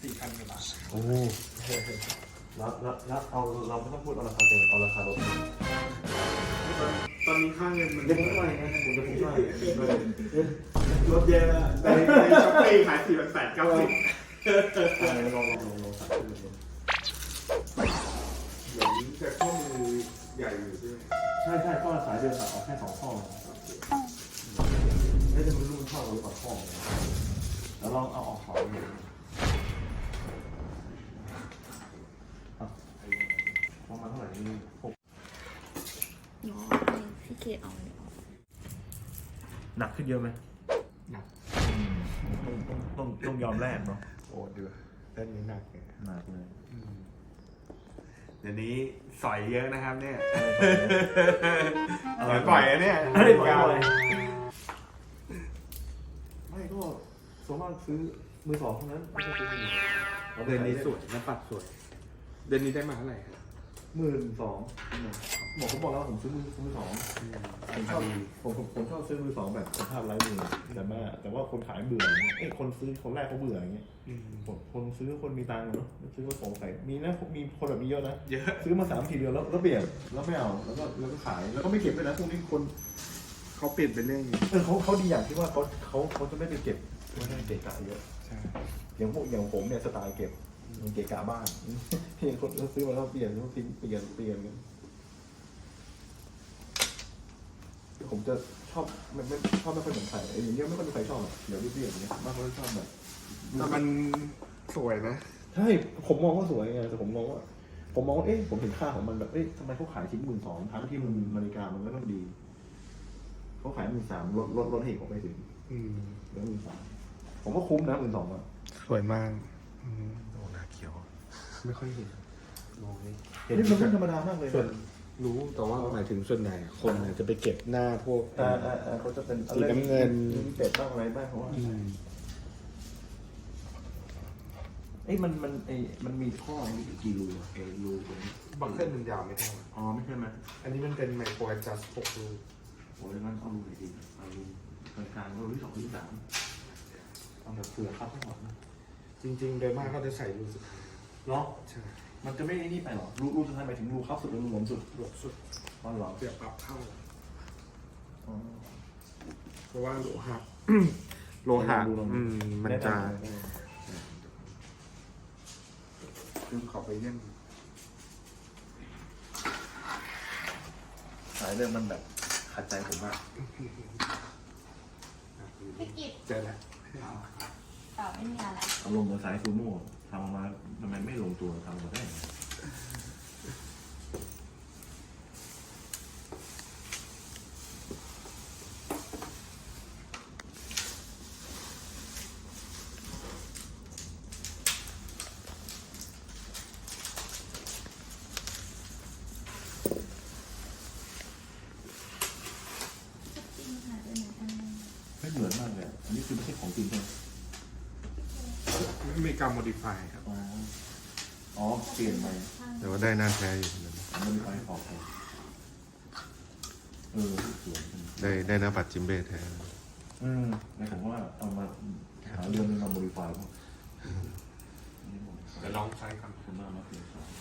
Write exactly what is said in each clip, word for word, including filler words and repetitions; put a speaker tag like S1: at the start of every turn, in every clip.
S1: สี่พันกว่าบาท
S2: โอ้แล้วแล้วแล้วเอาเราไม่ต้องพูดเอาราคาเต็มเอาราคารถ
S1: ตอนนี้ค่าเงินมัน
S2: เดี๋ยวผมช่วยนะผมจะผมช่วย
S1: รถเยอะนะในในช้อปปี้ขายสี่พันแปดเก้าสิบ
S2: ลองลองลองลองสั่งดู
S1: เดี๋ยวนี้จะข้อมือใหญ่อยู่ใช่ไหม
S2: ใช่ใช่ข้อสายเดียวตัดออกแค่สองข้อไม่ได้มันรุ่นข้อหรือเปล่าข้อแล้วลองเอาออกเขาดูประมาณเท่าไหร่นี่หก
S3: น้อยพี่เกดเอาเลย
S2: หนักขึ้นเยอะไหม
S1: หนัก
S2: ต้องต้องต้องต้องยอมแลกเนาะ
S1: โอ้เดือดเล่นนี้หนักเลย
S2: หนักเลย
S1: เดี๋ยวนี้สอยเยอะนะครับเนี่ยสอยปล่อยอะเนี่ย
S2: ไม่ได้ปล่อยไม่ก็ส่วนมากซื้อมือสองเท่านั้นไม่ใช่ซื้อมือหนึ่ง
S1: เดือนนี้สวยน้ำปัดสวยเดือนนี้ได้มาเท่าไหร่
S2: หมื่นสองบอกผมบอกแล้วผมซื้อมือมือสองผมชอบผมผมผมชอบซื้อมือสองแบบสภาพไร้มือแต่ว่าแต่ว่าคนขายเบื่ออย่างเงี้ยเอ้คนซื้อคนแรกเขาเบื่ออย่างเงี้ยคนซื้อคนมีตังค์เนาะซื้อมาสงสัยมีนะมีคนแบบนี้เยอะนะ
S1: เยอะ
S2: ซื้อมาสามทีเดียวแล้วแล้วเปลี่ยนแล้วไม่เอาแล้วก็แล้วก็ขายแล้วก็ไม่เก็บด้วยนะพวกนี้คน
S1: เขาเปลี่ยนเป็นเรื่องนี้
S2: เออเขาเขาดีอย่างที่ว่าเขาเขาเขาจะไม่ไปเก็บไม่ได้เกะกะเยอะ
S1: ใช่
S2: อย่างพวกอย่างผมเนี่ยสไตล์เก็บมันเกะกะบ้านที่คนเขาซื้อมาแล้วเปลี่ยนเขาทิ้งเปลี่ยนเปลี่ยนกันผมจะชอบไม่ไม่ชอบไม่ค่อยเหมือนใครไอ้อย่างเงี้ยไม่ค่อยมีใครชอบหรอกเดี๋ยวเรียบๆอย่างเงี้ยมากกว่าชอบแบบ
S1: แต่มันสวยนะ
S2: ใช่ผมมองว่าสวยไงแต่ผมมองว่าผมมองว่าเอ๊ะผมเห็นค่าของมันแบบเอ๊ะทำไมเขาขายทิ้งหมื่นสองทั้งที่มันนาฬิกามันก็ต้องดีเขาขายหมื่นสามลดลดลดให้ผมไปถึง
S1: อืม
S2: เหลือหมื่นสามผมว่าคุ้มนะหมื่นสองอ่ะ
S1: สวยมากโอ้หน้าเขียว ไม่ค่อยเห็นมองนี่
S2: เห็นมันธรรมดามากเลย
S1: ส่วนรู้แต่ว่าหมายถึงส่วนไหนคนเนี่ยจะไปเก็บหน้าพวก
S2: อ่าอ่าอ่าเขาจะเป็น
S1: สีน้ำเงิน
S2: เป็ดบ้างอะไรบ้างเพราะว่า
S1: อืม
S2: เอ้ยมันมันไอ้มันมีข้อมีกี่รูอะไอ้รูตรงนี้
S1: บังเกิลมันยาวไม่เท่ากัน
S2: อ๋อไม่ใช่ไหม
S1: อันนี้มันเป็นไมโครแอดจัสหกรู
S2: โอ้ยงั้นเอารูไหนดีเอารูกลางๆรูที่สองรูที่สามเอาแบบเผื่อครับทั้งหมดนะ
S1: จริงๆ โดยมากเขาจะใส่รูสุดท้าย
S2: เนาะ
S1: ใช่
S2: มันจะไม่ไอ้นี่ไปหรอรูรูสุดท้ายหมายถึงรูครับสุดหรือรูหลวมสุด
S1: หลวมสุด
S2: อ๋อเหรอ
S1: เสียบปรับเข้า
S2: อ๋อ
S1: เพราะว่าโลหะ โลหะอืมมันจะคือขอไปเยี่ยม
S2: สายเรื่องมันแบบขัดใจผมมาก
S3: พี่กิจ
S1: เจอแล้ว
S3: เปล่าไม่มีอะไร
S2: อารมณ์เหมือนสายซูโม่ทำออกมาทำไมไม่ลงตัวทำออกมาได้ไง
S3: จริงค่ะเป็นอันนึง
S2: ไม่เหมือนมากเลยอันนี้คือไม่ใช่ของจริงใช่ไหม
S1: ไม่มีการโมดิฟายครับ
S2: อ๋อ อ๋อ เปลี่ยนไป
S1: แต่ว่าได้หน้าแท้อยู่
S2: มันมีไฟขอบไปเออสวย
S1: ได้ได้หน้าปัดจิมเบ้แท้
S2: อืมในผมว่าเอามาหาเรื่องมาโมดิฟายมั้ง
S1: เดี๋ยวลองใช้กัน
S2: คุณมากมาเปลี่ยนสาย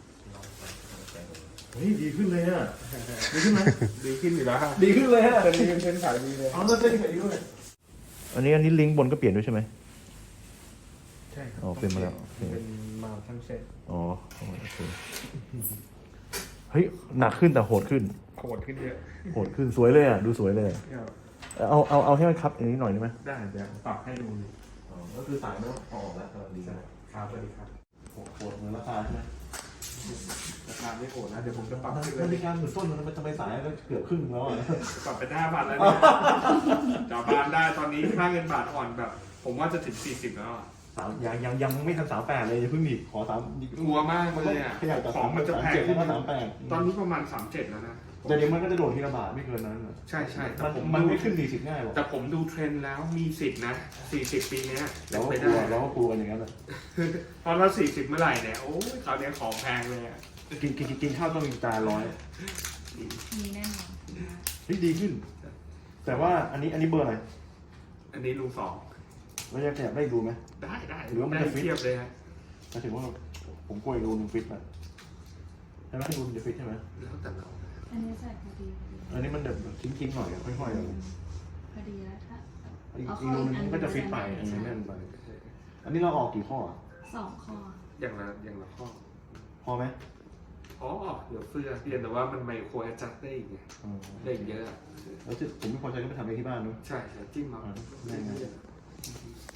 S2: เฮ้ยดีขึ้นเลยอ่ะ ดีขึ้นไหม
S1: ดีขึ้นอยู่แล้ว
S2: ดีขึ้นเลยอ่ะ
S1: ตอนนี้เป็นเทรนด์ขายดีเลย
S2: เอาแล้วเส้นใส่ด้วย อันนี้อันนี้ลิงก์บนก็เปลี่ยนด้วยใช่ไหม
S1: ใช่ครับ
S2: อ๋อเป็นมาแล้ว
S1: เป็นมาทั้งเซ็ต
S2: อ๋อโอเคเฮ้ยหนักขึ้นแต่โหดขึ้น
S1: โหดขึ้นเยอะ
S2: โหดขึ้นสวยเลยอ่ะดูสวยเลยเอาเอาเอาให้มันคับอย่างนี้หน่อยได้ไหม
S1: ได้เดี๋ยวปรับให้ดู
S2: อ๋อก็คือสายไม่ต้องออกแล้วกำลังดี
S1: ครับสวัสดีครับ
S2: โหดโหดเหมือนราคาใช่ไหม
S1: ราคาไม่โหดนะเดี๋ยวผมจะปรับให้
S2: นาฬิกาหมื่นต้นมันทำไมสายก็เกือบครึ่งแล้วอ่ะ
S1: ปรับเป็นห้าบาทแล้วเนี่ยจ่าบานได้ตอนนี้ค่าเงินบาทอ่อนแบบ ผมว่าจะถึงสี่สิบแล้วอะ
S2: สามยังยังยังไม่ทันสามแปดเลยอย่าเพิ่งหนีขอสาม
S1: กลัวมากเลยอ่ะ
S2: ขยายต่อ
S1: ของมันจะแพง
S2: เจ็ด
S1: ขึ้น
S2: แล้วก็สามแปด
S1: ตอนนี้ประมาณสามเจ็ดแล้วนะ
S2: แต่เดี๋ยวมันก็จะโดดทีละบาทไม่เกินนั้น
S1: ใช่ใช่แต่
S2: มัน
S1: ผม
S2: มัน
S1: ดู
S2: ไม่ขึ้นสี่สิบง่ายหรอก
S1: แต่ผมดูเทรนด์แล้วมีสิทธินะสี่สิบปีเนี้ย
S2: เราก็
S1: ไป
S2: กลั
S1: ได้
S2: วเราก็กลัวกันอย่างนั้นแหละ
S1: พอเราสี่สิบเมื่อไหร่เนี่ยโอ้ยคราวเนี้ยของแพงเลยอ่ะ
S2: กินกินกินข้าวต้องมีจานร้อย
S3: มีแน่นอน
S2: เฮ้ยดีขึ้น แต่ว่าอันนี้อันนี้เบอร์อะไร
S1: อันนี้รูสอง
S2: รแล้วจะขยับได้ดูไหม
S1: ได้ได้
S2: หรือว่ามัน
S1: ได้
S2: จะฟิต
S1: เทียบเลยฮะ
S2: หมายถึงว่าผมกลัวอีกรูนึงฟิตอ่ะใช่ไหมรูนึงจะฟิตใช่ไหม
S1: แล้วแต่เรา
S3: อันนี้ใส่พอดีพอดี
S2: อันนี้มันแบบทิ้งๆหน่อยอะค่อยๆอะ
S3: พอดีแล้วถ้า
S2: อีกอีกรูนึงมันก็จะฟิตไปอันนี้แน่นไปอันนี้เราออกกี่ข้ออะ
S3: สองคอ
S1: อย่างละอย่างละข้อ
S2: พอไหม
S1: อ๋อเดี๋ยวเสื้อเปลี่ยนแต่ว่ามันไมโครแอดจัสได้อีกไง
S2: อ๋อ
S1: ได้อีกเยอะอะ
S2: แล้วที่ผมไม่พอใจก็ไปทำเองที่บ้านด้วย
S1: ใช่ใช่จิ้มมา
S2: ได้ไง